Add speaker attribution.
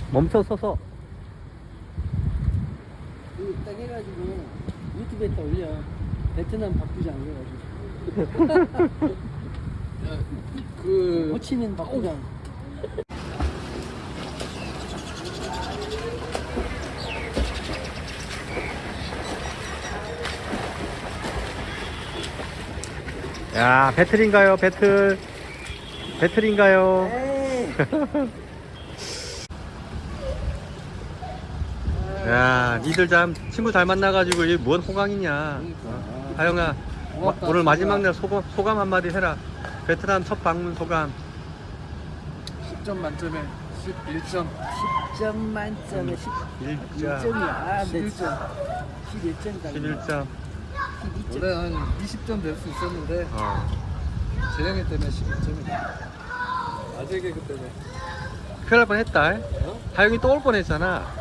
Speaker 1: 멈춰 서서.
Speaker 2: 이거 딱 해가지고 유튜브에다 올려. 베트남 박부장 해가지고.
Speaker 3: 그
Speaker 2: 호치민 박부장.
Speaker 1: 야, 배틀인가요? 배틀. 배틀인가요?
Speaker 2: 에이.
Speaker 1: 야, 니들 참 친구 잘 만나가지고 이게 뭔 호강이냐. 하영아,
Speaker 3: 고맙다,
Speaker 1: 오늘 마지막
Speaker 3: 친구야.
Speaker 1: 날 소감 한마디 해라. 베트남 첫 방문 소감.
Speaker 3: 10점 만점에 11점.
Speaker 2: 10점 만점에
Speaker 1: 1점.
Speaker 2: 11점이야.
Speaker 3: 11점.
Speaker 2: 11점.
Speaker 1: 11점.
Speaker 2: 12점.
Speaker 3: 원래 한 20점 될 수 있었는데 재영이 때문에 11점이다. 아재 개그 때문에.
Speaker 1: 큰일 날 뻔했다.
Speaker 3: 어?
Speaker 1: 하영이 또 올 뻔했잖아.